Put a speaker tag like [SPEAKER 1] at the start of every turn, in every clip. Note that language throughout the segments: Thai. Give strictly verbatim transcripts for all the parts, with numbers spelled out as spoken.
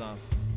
[SPEAKER 1] up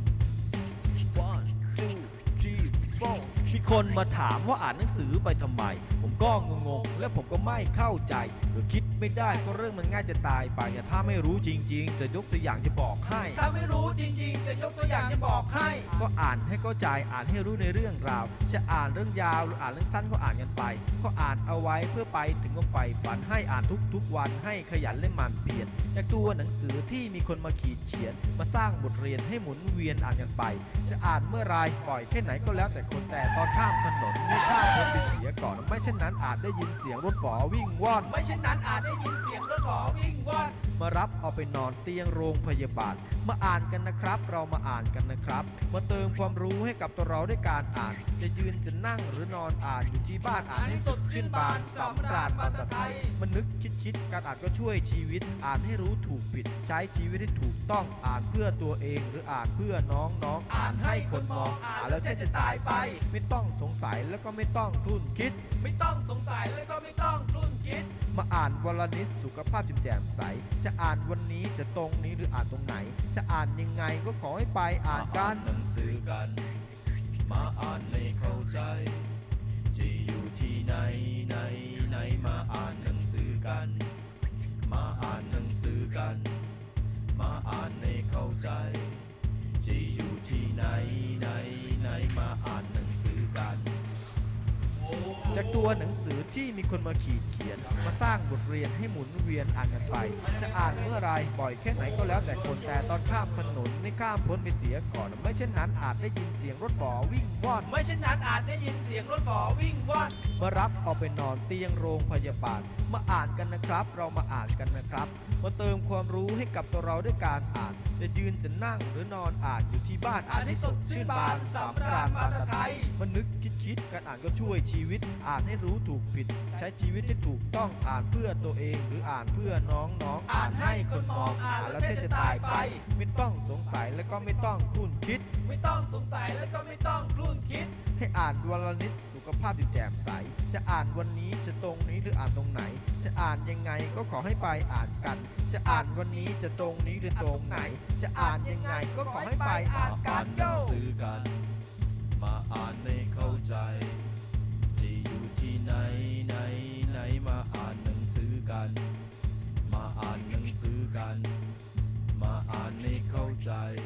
[SPEAKER 1] one two three four มีคนมาถามว่าอ่านหนังสือไปทำไมผมก็งงๆและผมก็ไม่เข้าใจหรือคิดไม่ได้ก็เรื่องมันง่ายจะตายไปถ้าไม่รู้จริงๆจะยกตัวอย่างจะบอกให้ถ้าไม่รู้จริงๆจะยกตัวอย่างจะบอกให้ก็อ่านให้เข้าใจอ่านให้รู้ในเรื่องราวจะอ่านเรื่องยาวหรืออ่านเรื่องสั้นก็อ่านกันไปก็อ่านเอาไว้เพื่อไปถึงความใฝ่ฝันให้อ่านทุกๆวันให้ขยันและหมั่นเพียรจากตัวหนังสือที่มีคนมาขีดเขียนมาสร้างบทเรียนให้หมุนเวียนอ่านกันไปจะอ่านเมื่อไรปล่อยแค่ไหนก็แล้วแต่คนแต่ตอนข้ามถนนไม่ข้ามคนไปเสียก่อนไม่เช่นนั้นอาจได้ยินเสียงรถฝอวิ่งว่อนไม่เช่นนั้นอาจได้ยินเสียงรถฝอวิ่งว่อนมารับเอาไปนอนเตียงโรงพยาบาลมาอ่านกันนะครับเรามาอ่านกันนะครับมาเติมความรู้ให้กับตัวเราด้วยการอ่านจะยืนจะนั่งหรือนอนอ่านอยู่ที่บ้านอ่านให้สดชื่นบานสำราญภาษาไทยมันนึกคิดคิดการอ่านก็ช่วยชีวิตอ่านให้รู้ถูกผิดใช้ชีวิตให้ถูกต้องอ่านเพื่อตัวเองหรืออ่านเพื่อน้องน้องอ่านให้คนมองอ่านแล้วแค่จะตายไปไม่ต้องสงสัยแล้วก็ไม่ต้องคลุ่นคิดไม่ต้องสงสัยแล้วก็ไม่ต้องคลุ่นคิดมาอ่านวลนิดสุขภาพแจ่มใสจะอ่านวันนี้จะตรงนี้หรืออ่านตรงไหนจะอ่านยังไงก็ขอให้ไปอ่านกัน
[SPEAKER 2] หนังสือกันมาอ่านให้เข้าใจจะอยู่ที่ไหนไหนไหนมาอ่านหนังสือกันมาอ่านหนังสือกันมาอ่านให้เข้าใจจะอยู่ที่ไหนไหนไหนมาอ่านหนังสือกัน
[SPEAKER 1] จากตัวหนังสือที่มีคนมาขีดเขียนมาสร้างบทเรียนให้หมุนเวียนอ่านกันไปจะอ่านเมื่อไรบ่อยแค่ไหนก็แล้วแต่คนแต่ตอนข้ามถนนไม่ข้ามพ้นไปเสียก่อนไม่เช่นนั้นอาจได้ยินเสียงรถฝอวิ่งว่อนไม่เช่นนั้นอาจได้ยินเสียงรถฝอวิ่งว่อนมารับเอาไปนอนเตียงโรงพยาบาลมาอ่านกันนะครับเรามาอ่านกันนะครับมาเติมความรู้ให้กับตัวเราด้วยการอ่านจะยืนจะนั่งหรือนอนอ่านอยู่ที่บ้านอ่านให้สดชื่นบานสำราญภาษาไทยมันนึกคิดคิดการอ่านก็ช่วยชีวิตอ่านให้รู้ถูกผิดใช้ชีวิตให้ถูกต้องอ่านเพื่อตัวเองหรืออ่านเพื่อน้องน้องอ่านให้คนมองอ่านแล้วแค่จะตายไปไม่ต้องสงสัยแล้วก็ไม่ต้องคลุ่นคิดไม่ต้องสงสัยแล้วก็ไม่ต้องคลุ่นคิดให้อ่านวันละนิดสุขภาพแจ่มใสจะอ่านวันนี้จะตรงนี้หรืออ่านตรงไหนจะอ่านยังไงก็ขอให้ไปอ่านกันจะอ่านวันนี้จะตรงนี้หรือตรงไหนจะอ่านยังไงก็ขอให้ไปอ่านกัน
[SPEAKER 2] หนังสือกันมาอ่านให้เข้าใจจะอยู่ที่ไหนไหนไหนมาอ่านหนังสือกันมาอ่านหนังสือกันมาอ่านให้เข้าใจ